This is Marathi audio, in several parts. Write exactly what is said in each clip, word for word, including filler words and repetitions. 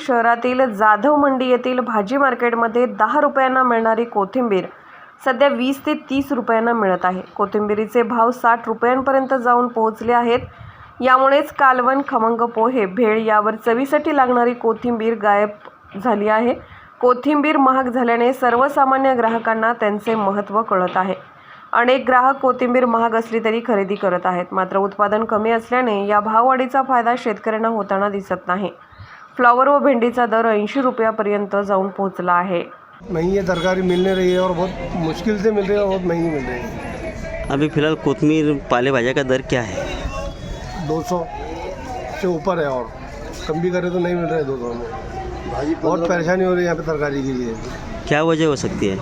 शहरातील जाधव मंडी येथील भाजी मार्केटमध्ये दहा रुपयांना मिळणारी कोथिंबीर सध्या वीस ते तीस रुपयांना मिळत आहे। कोथिंबीरीचे भाव साठ रुपयांपर्यंत जाऊन पोहोचले आहेत। यामुळेच कालवण, खमंग पोहे, भेळ यावर चवीसाठी लागणारी कोथिंबीर गायब झाली आहे। कोथिंबीर महाग झाल्याने सर्वसामान्य ग्राहकांना त्यांचे महत्त्व कळत आहे। अनेक ग्राहक कोथिंबीर महाग असली तरी खरेदी करत आहेत, मात्र उत्पादन कमी असल्याने या भाववाढीचा फायदा शेतकऱ्यांना होताना दिसत नाही। फ्लावर व भेंडीचा दर ऐंशी रुपयापर्यंत जाऊन पोहोचला आहे। महंगी ये तरकारी मिल नहीं रही है और बहुत मुश्किल से मिल रही है और बहुत महंगी मिल रही है। अभी फ़िलहाल कोथिंबीर पाले भाजा का दर क्या है? दो सौ से ऊपर है और कम भी करे तो नहीं मिल रहा है दो सौ में। भाजी बहुत परेशानी हो रही है यहाँ पे तरकारी के लिए। क्या वजह हो सकती है?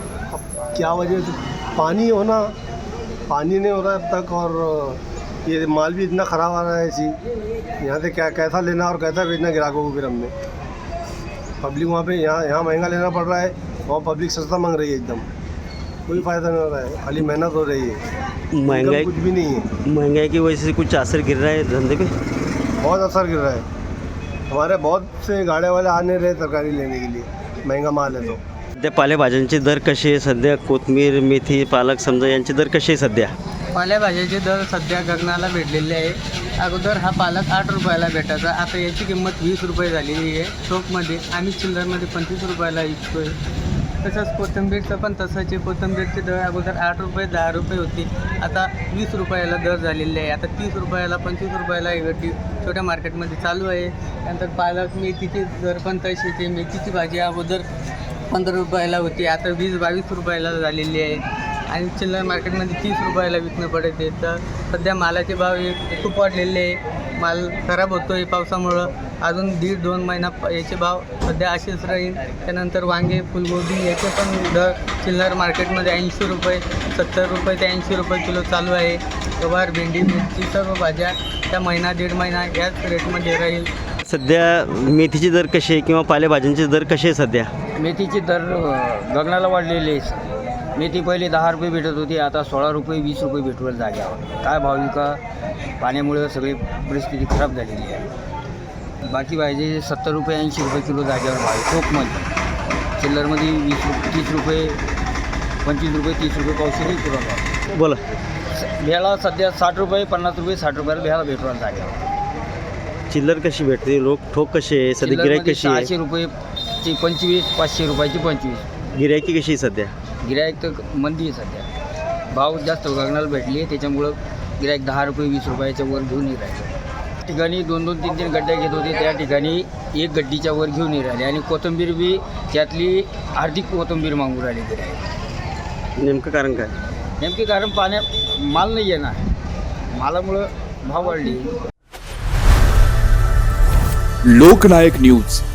अब क्या वजह तो पानी होना, पानी नहीं हो रहा है अब तक, और ये माल भी इतना ख़राब आ रहा है ऐसी। यहाँ से क्या कैसा लेना और कैसा बेचना ग्राहकों को फिर हमने। पब्लिक वहाँ पे यहाँ यहाँ महंगा लेना पड़ रहा है, वहाँ पब्लिक सस्ता मांग रही है एकदम। कोई फ़ायदा नहीं हो रहा है, खाली मेहनत हो रही है, महंगाई कुछ भी नहीं है। महंगाई की वजह से कुछ असर गिर रहा है धंधे पे? बहुत असर गिर रहा है। हमारे बहुत से गाड़े वाले आ नहीं रहे तरकारी लेने के लिए, महंगा माल है तो। सध्या पालेभाज्यांचे दर कसे आहे? सध्या कोथिंबीर, मेथी, पालक समजा यांचे दर कसे आहे सध्या? पालेभाज्याचे दर सध्या गगनाला भेटलेले आहे। अगोदर हा पालक आठ रुपयाला भेटायचा, आता याची किंमत वीस रुपये झालेली आहे चौकमध्ये। आम्ही चिल्लरमध्ये पंचवीस रुपयाला विकतोय। तसंच कोथिंबीरचं पण तसंच आहे। कोथिंबीरचे दर अगोदर आठ रुपये दहा रुपये होती, आता वीस रुपयाला दर झालेले आहे। आता तीस रुपयाला पंचवीस रुपयाला एक छोट्या मार्केटमध्ये चालू आहे। त्यानंतर पालक, मेथीचे दर पण तसेच आहे। मेथीची भाजी अगोदर पंधरा रुपयाला होती, आता वीस बावीस रुपयाला झालेली आहे आणि चिल्लर मार्केटमध्ये तीस रुपयाला विकणं पडते। तर सध्या मालाचे भाव हे खूप वाढलेले आहे। माल खराब होतो आहे पावसामुळं। अजून दीड दोन महिना याचे भाव सध्या असेच राहील। त्यानंतर वांगे, फुलगोबी याचे पण दर चिल्लर मार्केटमध्ये ऐंशी रुपये सत्तर रुपये ते ऐंशी रुपये किलो चालू आहे। गवार, भेंडी, मिरची सर्व भाज्या त्या महिना दीड महिना याच रेटमध्ये राहील। सध्या मेथीचे दर कसे आहे किंवा पालेभाज्यांचे दर कसे आहे सध्या? मेथीचे दर गगनाला वाढलेले आहे। मेथी पहिले दहा रुपये भेटत होती, आता सोळा रुपये वीस रुपये भेटवेल जाग्यावर। काय भाव विका? पाण्यामुळे सगळी परिस्थिती खराब झालेली आहे। बाकी भाजी सत्तर रुपये ऐंशी रुपये किलो जाग्यावर भाव आहे टोकमध्ये। चिल्लरमध्ये वीस रुपये तीस रुपये पंचवीस रुपये तीस रुपये पावशेरी किलो भाव। बोला। भेळा सध्या साठ रुपये पन्नास रुपये साठ रुपयाला भेळा भेटवेल जाग्यावर। चिल्लर कशी भेटते? लोक ठोक कसे आहे सध्या? गिराईक कशी आहे? सहाशे रुपयेची पंचवीस, पाचशे रुपयाची पंचवीस। गिराईकी कशी आहे सध्या? गिराईक तर मंदी आहे सध्या। भाव जास्त गगनाला भेटली आहे, त्याच्यामुळं गिराईक दहा रुपये वीस रुपयाच्या वर घेऊन नाही राहिले। ठिकाणी दोन दोन तीन तीन गड्ड्या घेत होते, त्या ठिकाणी एक गड्डीच्या वर घेऊन नाही राहिले आणि कोथिंबीर बी त्यातली अर्धी कोथिंबीर मागून राहिली गिराईक। नेमकं कारण काय? नेमके कारण पाण्या माल नाही आहे ना, मालामुळं भाव वाढली। लोकनायक न्यूज